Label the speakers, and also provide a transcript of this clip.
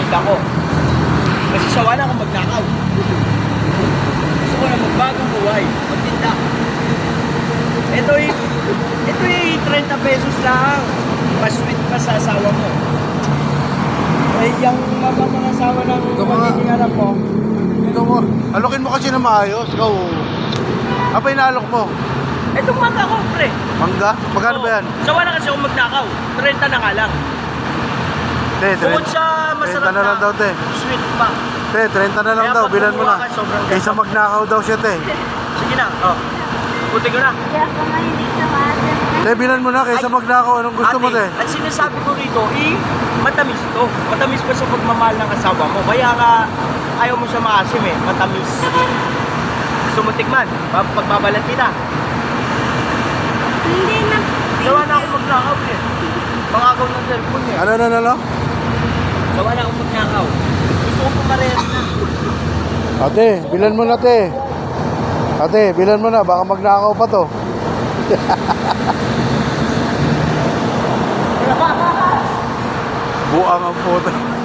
Speaker 1: magtinda ko. Kasi sawa na akong magnakaw. Gusto ko na magbagong buhay, magtinda. Ito'y 30 pesos lang. Mas sweet pa sa asawa mo. Eh, yung mga asawa ng magiging anak mo.
Speaker 2: Ito mo, alokin mo kasi na maayos. Ikaw, apa inaalok mo?
Speaker 1: Itong mangga ko, pre.
Speaker 2: Mangga? Magkano ba yan?
Speaker 1: Sawa na kasi akong magnakaw. 30 na nga lang.
Speaker 2: Te,
Speaker 1: Bukod sa
Speaker 2: 30
Speaker 1: masarap
Speaker 2: na lang daw, te.
Speaker 1: sweet pa.
Speaker 2: Te, 30 na lang
Speaker 1: Kaya
Speaker 2: daw,
Speaker 1: pag
Speaker 2: bilan mo na.
Speaker 1: kumuha ka, sobrang
Speaker 2: Isa
Speaker 1: ganda.
Speaker 2: magnakaw daw siya, te.
Speaker 1: Sige na, oh. Puti ko na.
Speaker 3: Kaya pa nga hindi ka maasin.
Speaker 2: Te, bilan mo na kaysa
Speaker 1: Ay,
Speaker 2: magnakaw. Anong gusto mo, te?
Speaker 1: Ang sinasabi ko rito, matamis to. Matamis pa sa pagmamahal ng asawa mo. Kaya nga, ayaw mo siya maasim eh. Matamis. Gusto mo tikman? Pagbabalat kita.
Speaker 3: Hindi na.
Speaker 1: Gawa na akong magnakaw eh. Mangakaw ng cellphone eh.
Speaker 2: Ano?
Speaker 1: Gawa na akong magnakaw. Gusto ko pumarehas na.
Speaker 2: Ate, bilan mo na, te. Ate, bilan mo na. Baka magnakaw pa to. Buang ang puto.